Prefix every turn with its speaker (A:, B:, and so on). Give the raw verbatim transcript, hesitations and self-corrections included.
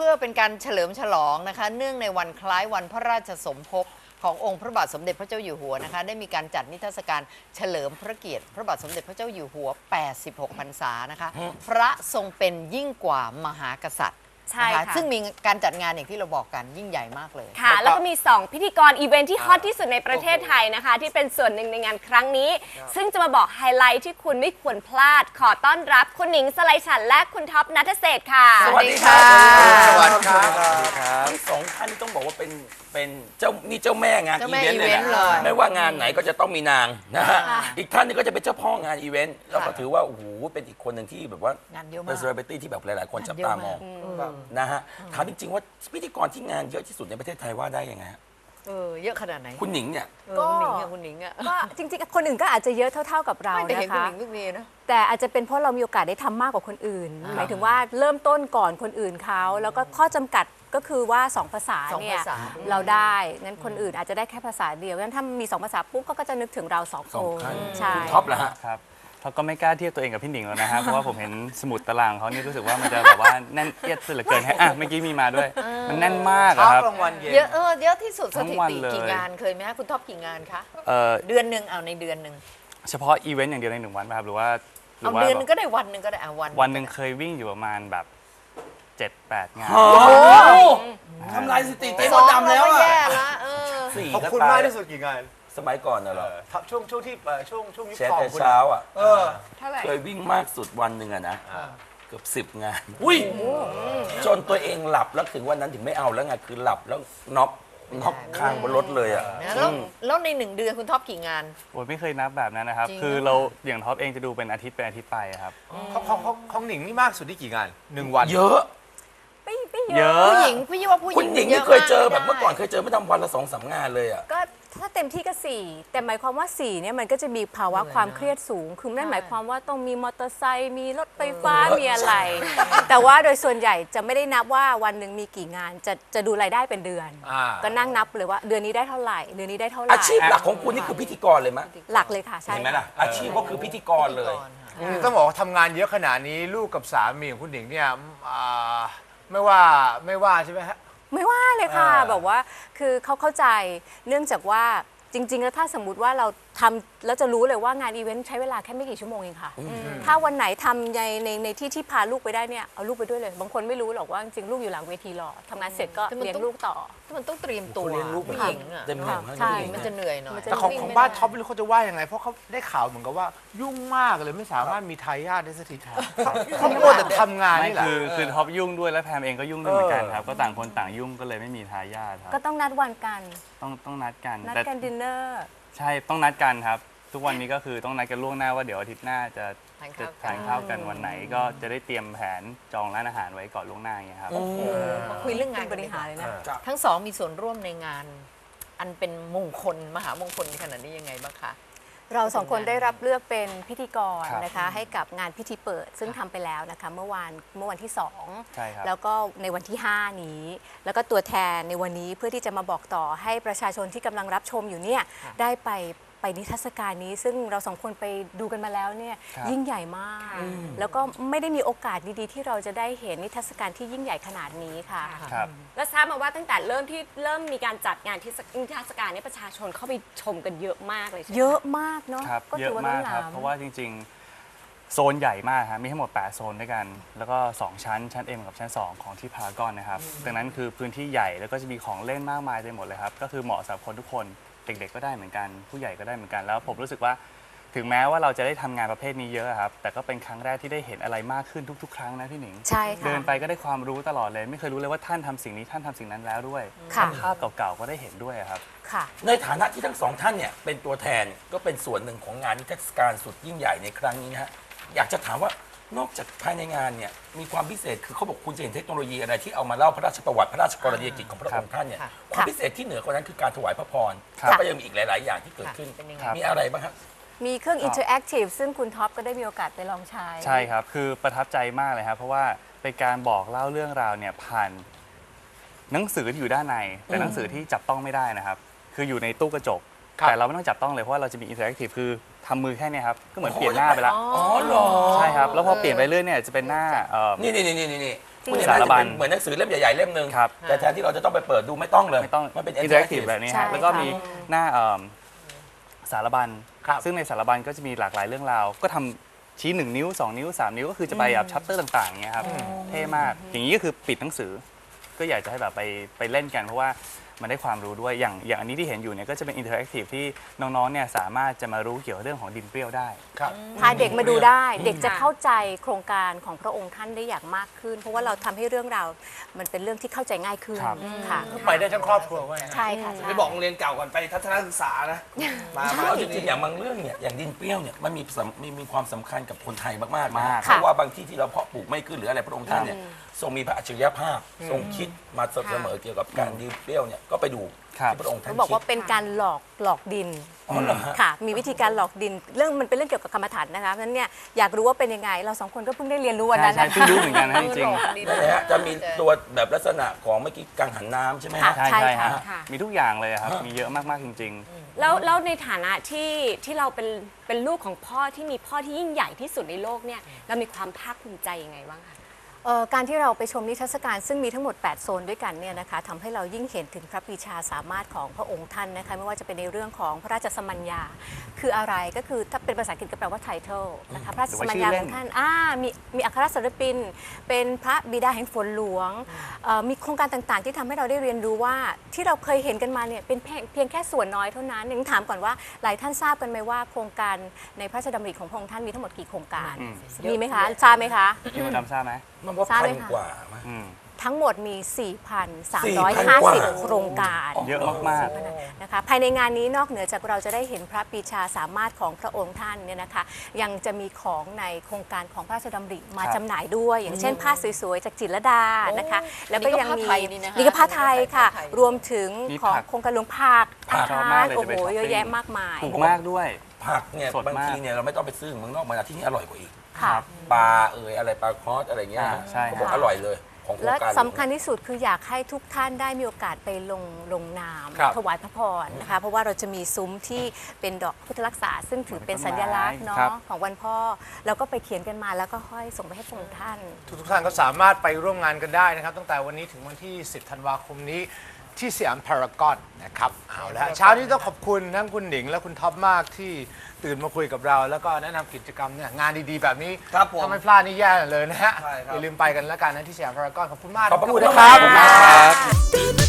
A: พื่อเป็นการเฉลิมฉลองนะคะเนื่องในวันคล้ายวันพระราชสมภพขององค์พระบาทสมเด็จพระเจ้าอยู่หัวนะคะได้มีการจัดนิทรรศการเฉลิมพระเกียรติพระบาทสมเด็จพระเจ้าอยู่หัวแปดสิบหกพรรษานะคะพระทรงเป็นยิ่งกว่ามหากษัตริย์
B: ใช่ค่ะ
A: ซึ่งมีการจัดงานอย่างที่เราบอกกันยิ่งใหญ่มากเลย
B: ค่ะแล้วก็มีสองพิธีกรอีเวนท์ที่ฮอตที่สุดในประเทศไทยนะคะที่เป็นส่วนหนึ่งในงานครั้งนี้ซึ่งจะมาบอกไฮไลท์ที่คุณไม่ควรพลาดขอต้อนรับคุณหนิงสไลฉันและคุณท็อปณัฐเศรษฐ์ค่ะ
A: สวัสดีค่ะ
C: สวัสดีครับ
D: ทั้งสองท่านต้องบอกว่าเป็นเป็นเจ้านี่เจ้าแม่งานอีเวนต์เลยนะไม่ว่างานไหนก็จะต้องมีนางนะฮะอีกท่านนึงก็จะเป็นเจ้าพ่องานอีเวนต์แล้วก็ถือว่าโอ้โหเป็นอีกคนหนึ่งที่แบบว่างานเยอะมากเป็นเซเลบริตี้ที่แบบหลายๆคนจับตามองนะฮะถามจริงๆว่าพิธีกรที่งานเยอะที่สุดในประเทศไทยว่าได้ยังไงฮะ
A: เออเยอะขนาดไหน
D: คุณหนิงเนี่ย
A: ก็คุณหนิงอะคุณหนิงอะ
B: ก็จริงๆคนอื่นก็อาจจะเยอะเท่าๆกับเรา
A: ไม่แต่เห็น
B: นะคะ
A: คุณหนิงทุกทีนะ
B: แต่อาจจะเป็นเพราะเรามีโอกาสได้ทำมากกว่าคนอื่นหมายถึงว่าเริ่มต้นก่อนคนอื่นเขาแล้วก็ข้อจำกัดก็คือว่าสองภาษาเนี่ยเราได้งั้นคนอื่นอาจจะได้แค่ภาษาเดียวงั้นถ้ามีสองภาษาปุ๊บเขาก็จะนึกถึงเราสองคนใช่
D: ท็อปเหรอฮะ
C: ครับเขาก็ไม่กล้าเทียบตัวเองกับพี่หนิงแล้วนะฮะเพราะว่าผมเห็นสมุดตารางเขานี่รู้สึกว่ามันจะแบบว่าแน่นเอียดสุดเหลือเกินฮะอ่ะเมื่อกี้มีมาด้วยมันแน่นมากครับ
A: เยอะเออเยอะที่สุดสถิติกี่งานเคยไหมคะคุณท็อปกี่งานคะเดือนหนึ่งเอาในเดือนหนึ่ง
C: เฉพาะอีเวนต์อย่างเดียวในหนึ่งวันป่ะครับหรือว่า
A: เอาเดือนนึงก็ได้วันหนึ่งก็ได้อ่ะวัน
C: วันหนึ่งเคยวิ่งอยู่ประมาณแบบเจ็ดแปดงาน
D: ทำลายสถิติเต็มดำแล้วอ่ะ
A: แย่ละ
D: สี่
E: ขอบคุณมากที่สุดกี่งาน
D: สมัยก่อนน่ะเหรอ
E: ช่วงช่วงที่ช่วงช่วงยุค
D: ทองเช้าอ่ะ
A: เค
D: ยวิ่งมากสุดวันหนึ่งอะนะเกือบสิบงานอุ้ยจนตัวเองหลับแล้วถึงวันนั้นถึงไม่เอาแล้วไงคือหลับแล้วน็อกน็อกค้างบนรถเลยอ่ะ
A: แล้วแล้วในหนึ่งเดือนคุณท็อปกี่งาน
C: โอ้ยไม่เคยนับแบบนั้นนะครับคือเราอย่างท็อปเองจะดูเป็นอาทิตย์เป็นอาทิตย์ไปครับ
E: ของของของหนิงนี่มากสุดที่กี่งานหนึ่งวัน
D: เยอะ
B: ไม่ไม่เยอะ
A: ผู้หญิงพี่ว่าผู้หญิง
D: คุณหนิงนี่เคยเจอแบบเมื่อก่อนเคยเจอไม่ทำวันละสองสามงานเลยอ่ะ
B: ก็ถ้าเต็มที่ก็สี่แต่หมายความว่าสี่เนี่ยมันก็จะมีภาวะความเครียดสูงคือนั่นหมายความว่าต้องมีมอเตอร์ไซค์มีรถไฟฟ้ามีอะไรแต่ว่าโดยส่วนใหญ่จะไม่ได้นับว่าวันหนึ่งมีกี่งานจะจะดูรายได้เป็นเดือนก็นั่งนับเลยว่าเดือนนี้ได้เท่าไหร่เดือนนี้ได้เท่าไหร่
D: อาชีพหลักของคุณนี่คือพิธีกรเลยมั้ย
B: หลักเลยค่ะใช่
D: เห็นไหมล่ะอาชีพก็คือพิธีกรเลย
E: ต้องบอกว่าทำงานเยอะขนาดนี้ลูกกับสามีของคุณหนิงเนี่ยไม่ว่าไม่ว่าใช่ไหมฮะ
B: ไม่ว่าเลยค่ะแบบว่าคือเขาเข้าใจเนื่องจากว่าจริงๆแล้วถ้าสมมติว่าเราทำแล้วจะรู้เลยว่างานอีเวนต์ใช้เวลาแค่ไม่กี่ชั่วโมงเองค่ะถ้าวันไหนทำในในในที่ที่พาลูกไปได้เนี่ยเอาลูกไปด้วยเลยบางคนไม่รู้หรอกว่าจริงๆลูกอยู่หลังเวทีรอทำงานเสร็จก็เลี้ยงลูกต่อ
A: มันต้องเตรียมตัว
D: เลี้ยงลูกผู้หญิงเต็มหนึ่ง
A: ใช่มันจะเหนื่อยหน่อย
E: แต่ของของบ้านท็อปไม่รู้เขาจะว่ายังไงเพราะเขาได้ข่าวเหมือนกับว่ายุ่งมากเลยไม่สามารถมีทายาทได้สักทีเขาโคตรแต่ทำงานนี่แหละ
C: คือคือท็อปยุ่งด้วยและแพมเองก็ยุ่งด้วยเหมือนกันครับก็ต่างคนต่างยุ่งก็เลยไม่มีทายาทครับ
B: ก็ต้องนัดวันกัน
C: ต้องต้องนัดกัน
B: นัดกันดินเนอร์
C: ใช่ต้องนัดกันครับทุกวันนี้ก็คือต้องนัดกันล่วงหน้าว่าเดี๋ยวอาทิตย์หน้าจะจะทานข้าวกันวันไหนก็จะได้เตรียมแผนจองร้านอาหารไว้ก่อนล่วงหน้าอย่างเงี้ยครับ
A: คุยเรื่องงาน
B: บริหารเลยนะ
A: ทั้งสองมีส่วนร่วมในงานอันเป็นมงคลมหามงคลขนาดนี้ยังไงบ้างคะ
B: เราสองคนได้รับเลือกเป็นพิธีกรนะคะให้กับงานพิธีเปิดซึ่งทำไปแล้วนะคะเมื่อวานเมื่อวันที่สองแล้วก็ในวันที่ห้านี้แล้วก็ตัวแทนในวันนี้เพื่อที่จะมาบอกต่อให้ประชาชนที่กำลังรับชมอยู่เนี่ยได้ไปไปนิทรรศการนี้ซึ่งเราสองคนไปดูกันมาแล้วเนี่ยยิ่งใหญ่มากแล้วก็ไม่ได้มีโอกาสดีๆที่เราจะได้เห็นนิทรรศการที่ยิ่งใหญ่ขนาดนี้ค่ะแล้วทราบมาว่าตั้งแต่เริ่มที่เริ่มมีการจัดงานที่นิทรรศการนี้ประชาชนเข้าไปชมกันเยอะมากเลยเยอะมากเนาะ
C: ก็เยอะมากครับเพราะว่าจริงๆโซนใหญ่มากครับมีทั้งหมดแปดโซนด้วยกันแล้วก็สองชั้นชั้น M กับชั้นสองของที่พารากอนนะครับดังนั้นคือพื้นที่ใหญ่แล้วก็จะมีของเล่นมากมายไปหมดเลยครับก็คือเหมาะสำหรับคนทุกคนเด็กๆก็ได้เหมือนกันผู้ใหญ่ก็ได้เหมือนกันแล้วผมรู้สึกว่าถึงแม้ว่าเราจะได้ทำงานประเภทนี้เยอะครับแต่ก็เป็นครั้งแรกที่ได้เห็นอะไรมากขึ้นทุกๆครั้งนะพี่หนิง
B: ใช่ค่ะ
C: เดินไปก็ได้ความรู้ตลอดเลยไม่เคยรู้เลยว่าท่านทำสิ่งนี้ท่านทำสิ่งนั้นแล้วด้วยภาพเก่าๆก็ได้เห็นด้วยครับ
D: ในฐานะที่ทั้งสองท่านเนี่ยเป็นตัวแทนก็เป็นส่วนหนึ่งของงานนิทรรศการสุดยิ่งใหญ่ในครั้งนี้นะฮะอยากจะถามว่านอกจากภายในงานเนี่ยมีความพิเศษคือเขาบอกคุณจะเห็นเทคโนโลยีอะไรที่เอามาเล่าพระราชประวัติพระราชกรณียกิจของพระองค์ท่านเนี่ยความพิเศษที่เหนือกว่านั้นคือการถวายพระพรแล้วก็ยังมีอีกหลายๆอย่างที่เกิดขึ้นมีอะไรบ้างครับ
B: มีเครื่องอินเทอร์แอคทีฟซึ่งคุณท็อปก็ได้มีโอกาสไปลองใช้
C: ใช่ครับคือประทับใจมากเลยครับเพราะว่าเป็นการบอกเล่าเรื่องราวเนี่ยผ่านหนังสือที่อยู่ด้านในแต่หนังสือที่จับต้องไม่ได้นะครับคืออยู่ในตู้กระจกแต่เราไม่ต้องจับต้องเลยเพราะว่าเราจะมีอินเทอร์แอคทีฟคือทำมือแค่นี้ครับก็เหมือนเปลี่ยนหน้าไปแล้ว
D: อ๋อเหรอ
C: ใช่ครับแล้วพอเปลี่ยนไปเรื่อยเนี่ยจะเป็นหน้า
D: นี่นี่นี่นี่นี่คุณเห็น
C: สา
D: ไหม
C: ร
D: จะ
C: บั
D: เป็
C: ญ
D: นเหมือนหนังสือเล่มใหญ่ๆเล่มหนึ่ง
C: ครับ
D: แต่แทนที่เราจะต้องไปเปิดดูไม่ต้องเลย
C: ไม่ต้อง
D: มันเป็น
C: อินเทอร์แอคทีฟ
D: interactive
C: แบบนี้
B: ใช่
C: ฮะแล้วก็
B: ค่ะ
C: มีหน้าเอิ่มสารบัญ
E: ครับ
C: ซึ่งในสารบัญก็จะมีหลากหลายเรื่องราว ก็ทำชี้หนึ่งนิ้วสองนิ้วสามนิ้วก็คือจะไปแบบชัปเตอร์ต่างๆอย่างเงี้ยครับเท่มาก อย่างนี้ก็คือปิดหนังสือ ก็อยากจะให้แบบไปไปเล่นกันเพราะว่ามันได้ความรู้ด้วยอย่างอย่างอันนี้ที่เห็นอยู่เนี่ยก็จะเป็นอินเทอร์แอคทีฟที่น้องๆเนี่ยสามารถจะมารู้เกี่ยวกับเรื่องของดินเปรี้ยวได้
E: ครับ
B: พาเด็กมาดูได้ เด็กจะเข้าใจโครงการของพระองค์ท่านได้อย่างมากขึ้น เพราะว่าเราทำให้เรื่องราวมันเป็นเรื่องที่เข้าใจง่ายขึ้น
C: ครับ
B: ค่ะ
E: ไปได้ทั้งครอบครัวว่าอย่างนั้น
B: ใช่ค่ะใช่
F: ไปบอกโรงเรียนเก่าก่อนไปทัศนศึกษานะ มา
D: เอาจ
F: จ
D: ริ
F: ริ
D: ง
F: ง
D: ๆอย่างบางเรื่องเนี่ยอย่างดินเปรี้ยวเนี่ยมันมีสำมีมีความสำคัญกับคนไทยมากๆนะ
C: มาก
D: เพราะว่าบางที่ที่เราเพาะปลูกไม่ขึ้นหรืออะไรพระองค์ท่านเนี่ยทรงมีพระอัจฉริยภาพทรงคิดมาเสมอเกี่ยวกับการดินเปรี้ยวเนี่ยก็ไปดู
C: ครับ
D: ที่พระองค์ท่าน
B: เขาบอก
D: คิด
B: ว่าเป็นการหลอกหลอกดิน
D: อ๋อเหรอฮะ
B: ค่ะ มีวิธีการหลอกดิน เรื่องมันเป็นเรื่องเกี่ยวกับกรรมฐานนะคะเพราะฉะนั้นเนี่ยอยากรู้ว่าเป็นยังไง เราสองคนก็เพิ่งได้เรียนรู้วัน
C: ใช่
B: นั้น
C: ใช่
B: นะ
C: เพิ่งรู้เหมือนกันนะจริง
D: นั่นแหละฮะจะมีตัวแบบลักษณะของเมื่อกี้กังหันน้ำใช่ไหม
B: ค่ะ
D: ฮะ
C: ๆ ใช่
B: ใช่
C: ใช่
B: ค่ะ
C: ฮะ
G: ค่ะ
C: มีทุกอย่างเลยครับ มีเยอะมากๆจริง
G: แล้วแล้วในฐานะที่ที่เราเป็นเป็นลูกของพ่อที่มีพ่อที่ยิ่งใหญ่ที่สุดในโลกเนี่ยเรามีความภาคภูมิใจยังไงบ้างคะ
B: เอ่อการที่เราไปชมนิทรรศการซึ่งมีทั้งหมด แปด โซนด้วยกันเนี่ยนะคะทำให้เรายิ่งเห็นถึงพระปรีชาสามารถของพระองค์ท่านนะคะไม่ว่าจะเป็นในเรื่องของพระราชสมัญญา คืออะไรก็คือถ้าเป็นภาษาอังกฤษก็แปลว่า title นะคะพระราชสมัญญาของท่านอ่ามีมีอัครศิลปิน เป็นพระบิดาแห่งฝนหลวงเอ่อมีโครงการต่างๆ ที่ทำให้เราได้เรียนรู้ว่าที่เราเคยเห็นกันมาเนี่ยเป็นเพียงเพียงแค่ส่วนน้อยเท่านั้นยังถามก่อนว่าหลายท่านทราบกันไหมว่าโครงการในพระราชดำริของพระองค์ท่านมีทั้งหมดกี่โครงการ
C: อืม
B: มีไหมคะทราบไหมคะ
C: ๆพี่มดดำทราบไหม
D: มันว่า
B: ทราบ
D: พั
B: ไหม
D: น
B: คะ
D: กว่ามั้ย
C: อืม
B: ทั้งหมดมี สี่พันสาม
D: สี่
B: ร้อย
D: พัน
B: ห้าก
D: ว่า
B: สิบ โครงการ
C: เยอะมาก
B: นะคะภายในงานนี้นอกเหนือจากเราจะได้เห็นพระปรีชาสามารถของพระองค์ท่านเนี่ยนะคะยังจะมีของในโครงการของพระราชดำริมา
C: ครับ
B: จำหน่ายด้วย อย่างเช่นผ้าสวยๆ จากจิตรลดานะคะ
A: โอ้
B: แล้วก็ยังมี
A: นี่ก็ผ้าไทยนี่นะคะ
B: นี่ก็ผ้าไทยค่ะ
A: ผ้าไทย
B: รวมถึง
C: มี
B: ของ
C: ผัก
B: โครงการหลวงผัก
D: ผัก
B: อา
C: ชอบ
B: หาม
C: าก
B: ร
C: เลย
B: โอ้
C: จะ
B: โห
C: ไปช้อปปิ้ง
B: เยอะแยะมากมาย
C: ถูกมากด้วย
D: ผักเนี่ย
C: สดมาก
D: บางทีเนี่ยเราไม่ต้องไปซื้อเมืองนอกมาที่นี่อร่อยกว่าอีก
B: ค่ะ
D: ปลาเอ่ยอะไรปลาคอสอะไรเงี้ย
C: อ่าใช่
D: เขาบอก
B: ค่ะ
D: อร่อยเลยของโครง
B: และ
D: การ
B: สำคัญที่สุดคืออยากให้ทุกท่านได้มีโอกาสไปลงลงนาม
E: ครับ
B: ถวายพระพรนะคะเพราะว่าเราจะมีซุ้มที่เป็นดอกพุทธรักษา ซึ่งถือเป็นสัญลักษณ์เนาะ
C: ครับ
B: ของวันพ่อเราก็ไปเขียนกันมาแล้วก็ห้อยส่งไปให้พระองค์ท่าน
E: ทุกๆท่านก็สามารถไปร่วมงานกันได้นะครับ ตั้งแต่วันนี้ถึงวันที่ สิบ ธันวาคมนี้ที่สยามพารากอนนะครับเอาละเช้านี้ต้องขอบคุณทั้งคุณหนิงและคุณท็อปมากที่ตื่นมาคุยกับเรา แล้วก็แนะนำกิจกรรมเนี่ยงานดีๆ แบบนี้
F: ครับผม
E: ถ้าไม่พลาดนี่แย่เลยนะฮะ
F: ใช่ครับ
E: อย่าลืมไปกันแล้วกันนะที่สยามพารากอนขอบคุณมาก
D: ขอบพระ
E: ทั้ง
D: คุณ
E: นะ
D: นะ
E: ค
D: ค
E: รั
D: รับ บ